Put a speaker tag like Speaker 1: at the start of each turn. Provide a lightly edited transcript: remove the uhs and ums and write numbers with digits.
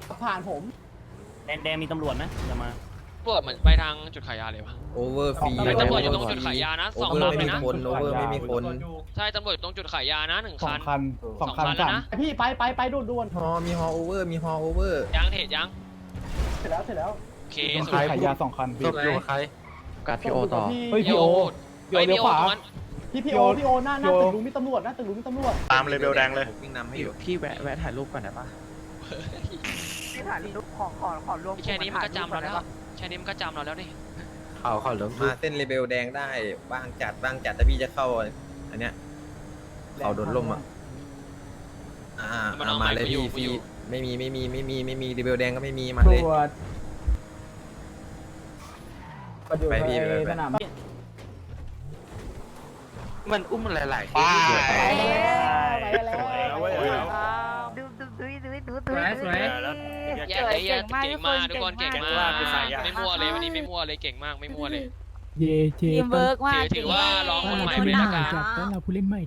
Speaker 1: ผ่านผม
Speaker 2: แดงมีตำรวจนะอย่ามา
Speaker 3: ตำรวจเหมือนไปทางจุดขายยาเลยวะ
Speaker 4: โอเวอร์ฟรี
Speaker 3: ตำรวจอยู่ตรงจุดขายยานะ
Speaker 4: โอ
Speaker 3: สอง
Speaker 4: เวอ
Speaker 3: ลำ
Speaker 4: ร์
Speaker 3: เล
Speaker 4: ไม่
Speaker 3: ย
Speaker 4: มี
Speaker 3: นะ
Speaker 4: คนโอเวอร์ไม่มีคน
Speaker 3: ใช่ตำรวจอยู่ตรงจุดขายยานะหนึ่งคัน
Speaker 1: สองคัน
Speaker 3: แล้วนะ
Speaker 1: พี่ไปด่วน
Speaker 4: ฮอมีฮอโอเวอร์มีฮอโอเวอร์
Speaker 3: ยังเทรดยัง
Speaker 1: เสร็จแล้ว
Speaker 3: โอเค
Speaker 1: ต้อง
Speaker 3: สุด
Speaker 1: ขายยา2 คัน
Speaker 4: ศพอยู่ใคร
Speaker 5: กัดพี่โอต่อ
Speaker 1: เฮ้ยพี่โอ
Speaker 3: เฮ้ยพี่โอตรงนั้น
Speaker 1: พี่โอหน้าตึกลุงมีตำรวจนะตึกลุงมีตำรวจ
Speaker 4: ตามเลเวลแดงเลยวิ่งนำให้อยู่
Speaker 5: พี่แวะถ่ายรูปก่อนได้ปะ
Speaker 6: ที่ถ่ายรูปขอรวม
Speaker 3: แค่นี้มันก็จำเราแล้วแค่นี้มันก็จำเราแล้วนี่
Speaker 4: เขาเริ่มมาเส้นเลเวลแดงได้บ้างจัดถ้าพี่จะเข้าอันเนี้ยเขาโดนล่มอ่ะมาเลยพี่ฟรีไม่มีเลเวลแดงก็ไม่มีมาเลย ไปพี่ไป
Speaker 1: สนาม
Speaker 5: มันอุ้มมันหลายๆ
Speaker 1: ไปแล้ว
Speaker 6: ดู
Speaker 3: เก่งมากทุกคนเก่งมากไม่มั่วเลยวันนี้ไม่มั่วเลยเก่งมากไม่มั่วเลย
Speaker 7: เย่เจ
Speaker 6: ทีมเวิร์กมาก
Speaker 3: ถือว่าลองคนใหม่ไปละกัน
Speaker 7: ต้อนรับผู้เล่นใหม่